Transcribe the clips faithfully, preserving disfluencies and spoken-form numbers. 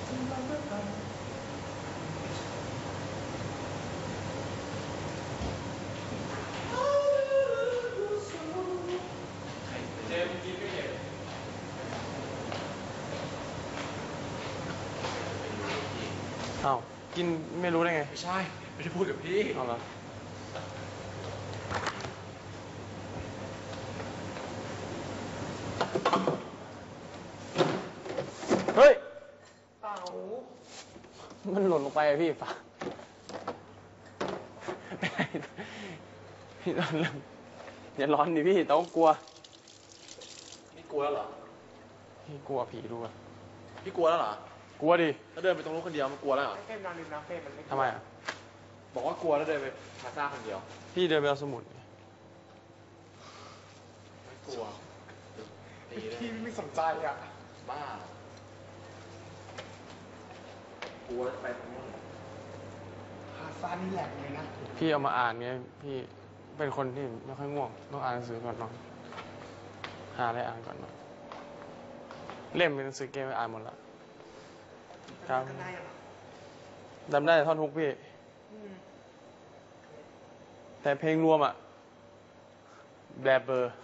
เจมกินไม่เห็นอ้าวกินไม่รู้ได้ไงไม่ใช่ไม่ได้พูดกับพี่เอาเหรอเฮ้ยเต่ามันหล่นลงไปอะพี่ฝาพี่ร้อนแล้วอย่าร้อนดิพี่ต้องกลัวพี่กลัวแล้วเหรอพี่กลัวผีด้วยพี่กลัวแล้วเหรอกลัวดิถ้าเดินไปตรงนู้นคนเดียวมันกลัวแล้วเหรอเฟ่นนอนริมน้ำเฟ่นมันไม่ทำไมอ่ะบอกว่ากลัวแล้วเดินไปพาซ่าคนเดียวพี่เดินไปเอาสมุดไม่กลัวพี่ไม่สนใจอ่ะบ้ากลัวไปตรงนู้นพาซ่านี่แหลกเลยนะพี่เอามาอ่านไงพี่เป็นคนที่ไม่ค่อยง่วงต้องอ่านหนังสือก่อนนอนหาอะไรอ่านก่อนนอนเล่มเป็นหนังสือเกมไปอ่านหมดละครับจำได้แต่ท่อนฮุกพี่แต่เพลงรวมอ่ะแบลเบอร์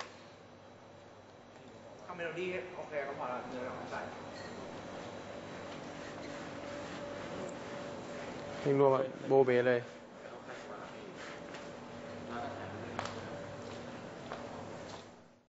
ทำเมโลดี้โอเคก็พอละเนื้อเราเข้าใจเพลงรวมอ่ะโบเบเลย